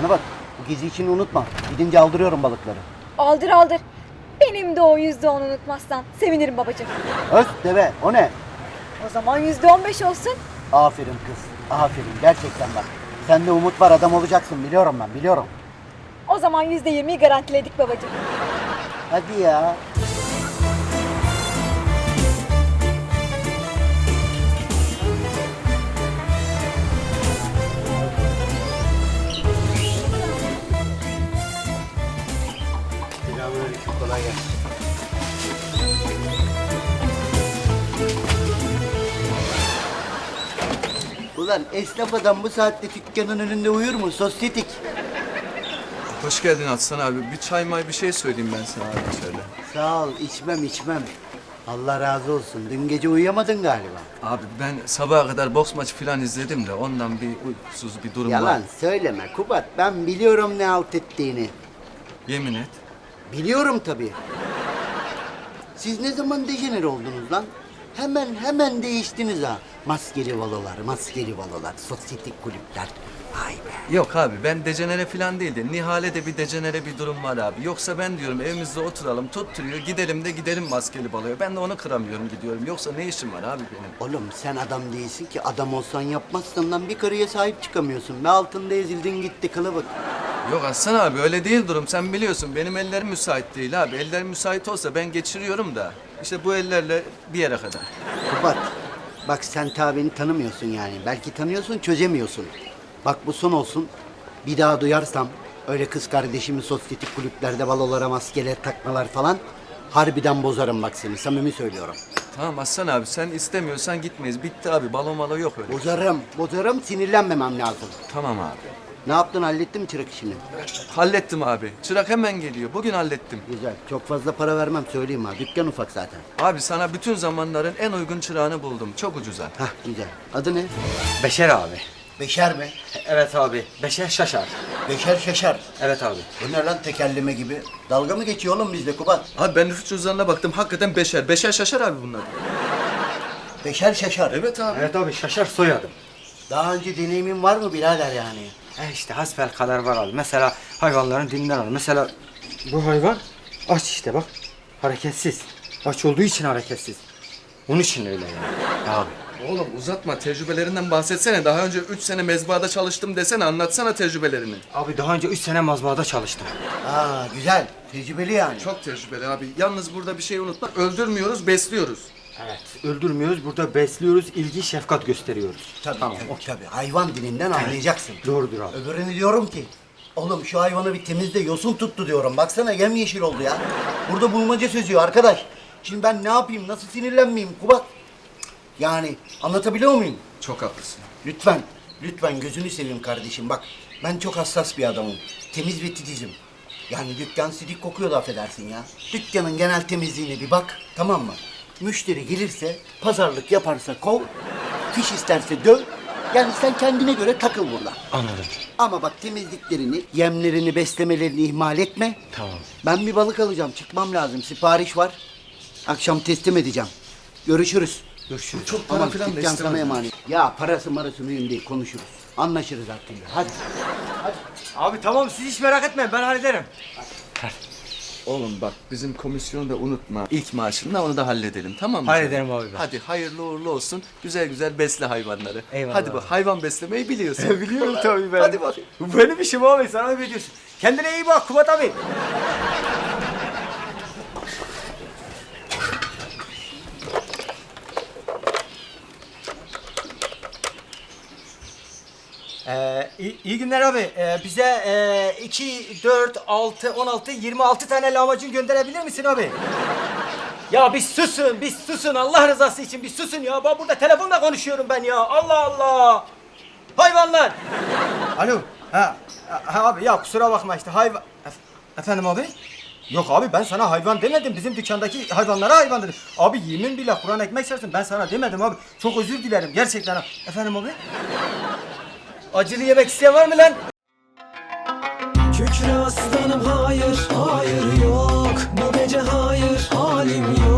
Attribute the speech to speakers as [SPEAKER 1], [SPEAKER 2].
[SPEAKER 1] Bana bak, bu gezi için unutma. Gidince aldırıyorum balıkları.
[SPEAKER 2] Aldır aldır. Benim de o %10 unutmazsan sevinirim babacığım.
[SPEAKER 1] Öz deve, o ne?
[SPEAKER 2] O zaman %15 olsun.
[SPEAKER 1] Aferin kız, aferin. Gerçekten bak. Sende umut var, adam olacaksın. Biliyorum ben, biliyorum.
[SPEAKER 2] O zaman %20'yi garantiledik babacığım.
[SPEAKER 1] Hadi ya. Selamünaleyküm, kolay gelsin. Ulan esnaf adam bu saatte dükkanın önünde uyur mu? Sosyetik.
[SPEAKER 3] Hoş geldin Aslan abi. Bir çay may bir şey söyleyeyim ben sana abi içeride.
[SPEAKER 1] Sağ ol, içmem. Allah razı olsun. Dün gece uyuyamadın galiba.
[SPEAKER 3] Abi ben sabaha kadar boks maçı falan izledim de ondan bir uykusuz bir durum var.
[SPEAKER 1] Yalan söyleme Kubat. Ben biliyorum ne halt ettiğini.
[SPEAKER 3] Yemin et.
[SPEAKER 1] Biliyorum tabii. Siz ne zaman dejener oldunuz lan? Hemen değiştiniz ha. Maskeli balolar, sosyetik kulüpler. Vay be.
[SPEAKER 3] Yok abi ben dejenere falan değil de Nihal'e bir dejenere bir durum var abi. Yoksa ben diyorum evimizde oturalım tutturuyor gidelim maskeli baloya. Ben de onu kıramıyorum gidiyorum. Yoksa ne işim var abi benim?
[SPEAKER 1] Oğlum sen adam değilsin ki. Adam olsan yapmazsın lan. Bir karıya sahip çıkamıyorsun. Ve altında ezildin gitti kılıbık.
[SPEAKER 3] Yok Aslan abi öyle değil durum. Sen biliyorsun benim ellerim müsait değil abi. Ellerim müsait olsa ben geçiriyorum da. İşte bu ellerle bir yere kadar.
[SPEAKER 1] Kubat, bak sen ta beni tanımıyorsun yani. Belki tanıyorsun, çözemiyorsun. Bak bu son olsun. Bir daha duyarsam öyle kız kardeşimi sosyetik kulüplerde balolara maskeler takmalar falan harbiden bozarım bak seni. Samimi söylüyorum.
[SPEAKER 3] Tamam Aslan abi sen istemiyorsan gitmeyiz. Bitti abi balo malo yok öyle.
[SPEAKER 1] Bozarım. Sinirlenmemem lazım.
[SPEAKER 3] Tamam abi.
[SPEAKER 1] Ne yaptın, hallettin mi çırak işini?
[SPEAKER 3] Hallettim abi. Çırak hemen geliyor. Bugün hallettim.
[SPEAKER 1] Güzel. Çok fazla para vermem söyleyeyim ha. Dükkan ufak zaten.
[SPEAKER 3] Abi sana bütün zamanların en uygun çırağını buldum. Çok ucuza.
[SPEAKER 1] Hah güzel. Adı ne?
[SPEAKER 4] Beşer abi.
[SPEAKER 1] Beşer mi?
[SPEAKER 4] Evet abi. Beşer şaşar.
[SPEAKER 1] Beşer şaşar.
[SPEAKER 4] Evet abi.
[SPEAKER 1] Bu ne lan tekerleme gibi? Dalga mı geçiyor oğlum bizde Kubat?
[SPEAKER 3] Abi ben nüfus cüzdanına baktım. Hakikaten beşer. Beşer şaşar abi bunlar.
[SPEAKER 1] Beşer şaşar.
[SPEAKER 3] Evet abi.
[SPEAKER 4] Evet abi şaşar soyadım.
[SPEAKER 1] Daha önce deneyimin var mı birader yani?
[SPEAKER 4] İşte hasbelkader var abi. Mesela hayvanların dilinden al. Mesela bu hayvan aç işte bak. Hareketsiz. Aç olduğu için hareketsiz. Onun için öyle yani. Abi.
[SPEAKER 3] Oğlum uzatma. Tecrübelerinden bahsetsene. Daha önce 3 sene mezbahada çalıştım desene. Anlatsana tecrübelerini.
[SPEAKER 4] Abi daha önce 3 sene mazbaada çalıştım.
[SPEAKER 1] Aa güzel. Tecrübeli yani.
[SPEAKER 3] Çok tecrübeli abi. Yalnız burada bir şey unutma. Öldürmüyoruz, besliyoruz.
[SPEAKER 4] Evet. Öldürmüyoruz. Burada besliyoruz. İlgi, şefkat gösteriyoruz.
[SPEAKER 1] Tabii,
[SPEAKER 4] Tamam.
[SPEAKER 1] tabii. Hayvan dilinden anlayacaksın.
[SPEAKER 4] Doğrudur abi.
[SPEAKER 1] Öbürünü diyorum ki, oğlum şu hayvanı bir temizle yosun tuttu diyorum. Baksana yemyeşil oldu ya. Burada bulmaca sözüyor arkadaş. Şimdi ben ne yapayım, nasıl sinirlenmeyeyim Kubat? Yani anlatabiliyor muyum?
[SPEAKER 3] Çok haklısın.
[SPEAKER 1] Lütfen gözünü seveyim kardeşim. Bak ben çok hassas bir adamım. Temiz ve titizim. Yani dükkan sidik kokuyor da affedersin ya. Dükkanın genel temizliğine bir bak, tamam mı? Müşteri gelirse, pazarlık yaparsa kov, fiş isterse döv. Yani sen kendine göre takıl burada.
[SPEAKER 4] Anladım.
[SPEAKER 1] Ama bak temizliklerini, yemlerini, beslemelerini ihmal etme.
[SPEAKER 4] Tamam.
[SPEAKER 1] Ben bir balık alacağım, çıkmam lazım. Sipariş var. Akşam teslim edeceğim. Görüşürüz.
[SPEAKER 4] Görüşürüz.
[SPEAKER 3] Çok para
[SPEAKER 1] Aman
[SPEAKER 3] falan da
[SPEAKER 1] dükkan sana
[SPEAKER 3] istemem.
[SPEAKER 1] emanet. Ya parası marası mühim değil, konuşuruz. Anlaşırız artık. Hadi.
[SPEAKER 4] Abi tamam siz hiç merak etmeyin ben hallederim.
[SPEAKER 3] Oğlum bak bizim komisyonu da unutma. İlk maaşında onu da halledelim tamam mı?
[SPEAKER 4] Halledelim abi ben.
[SPEAKER 3] Hadi hayırlı uğurlu olsun. Güzel güzel besle hayvanları.
[SPEAKER 4] Eyvallah
[SPEAKER 3] Hadi bak
[SPEAKER 4] abi.
[SPEAKER 3] hayvan beslemeyi biliyorsun.
[SPEAKER 4] Biliyorum tabii ben.
[SPEAKER 3] Hadi bak.
[SPEAKER 4] Bu benim işim abi sana ne diyorsun? Kendine iyi bak Kubat abi. İyi günler abi. Bize 2, 4, 6, 16, 26 tane lahmacun gönderebilir misin abi? Ya bir susun Allah rızası için bir susun ya. Ben burada telefonla konuşuyorum ben ya. Allah Allah. Hayvanlar. Alo. Ha abi ya kusura bakma işte hayvan. Efendim abi? Yok abi ben sana hayvan demedim. Bizim dükkandaki hayvanlara hayvan dedim. Abi yemin billah Kur'an ekmek sersin ben sana demedim abi. Çok özür dilerim gerçekten. Efendim abi? Acılı yemek isteyen var mı lan?
[SPEAKER 5] Kükre aslanım hayır, hayır yok. Bu gece hayır, halim yok.